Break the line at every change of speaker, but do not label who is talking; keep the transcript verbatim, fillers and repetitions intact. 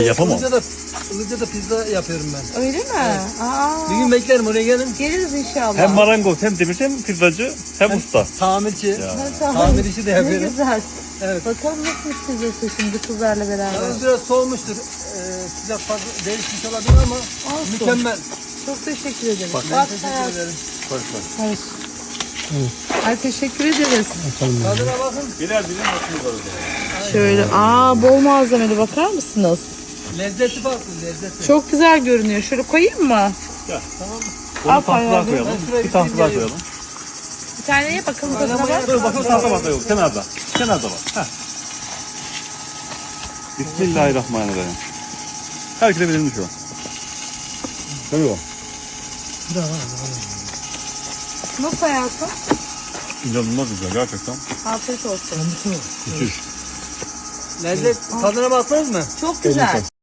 Yapamam.
Ilıca'da, Ilıca'da pizza yapıyorum ben.
Öyle mi?
Evet.
Aa,
Bir gün beklerim oraya gelin.
geliriz inşallah.
Hem marangoz hem demirci hem pizzacı hem usta.
Tamirci.
Ya.
Ha, tamam.
Tamir işi de yapıyorum.
Ne güzel.
Evet.
Bakalım nasıl hissediyorsun şimdi kızlarla beraber.
Yalnız biraz soğumuştur. Ee, sıcak fazla değişmiş olabilir ama
Olsun.
mükemmel.
Çok teşekkür ederim.
Ben
Bak,
teşekkür
hayat-
ederim.
Hayır. Ay teşekkür ederiz.
Tadına bakın.
Birer birer hakkımız var orada.
Şöyle aa bol malzemeli bakar mısınız?
Lezzeti farklı lezzeti.
Çok güzel görünüyor. Şöyle koyayım mı?
Ya.
Tamam.
Onu
Al
tahtalar
bayağı.
koyalım.
Ben şuraya
Bir
bir
tahta daha
şey
koyalım.
Bir tane ye bakalım tadına
Oynamaya
bak.
Dur bakalım tahta tahta yok. Kenarda. Kenarda var. Heh. Bismillahirrahmanirrahim. Herkese verilmiş o. Tabii o.
Nasıl hayatım?
İnanılmaz güzel gerçekten.
Afiyet olsun.
Müthiş.
Lezzet tadına baktınız mı?
Çok güzel.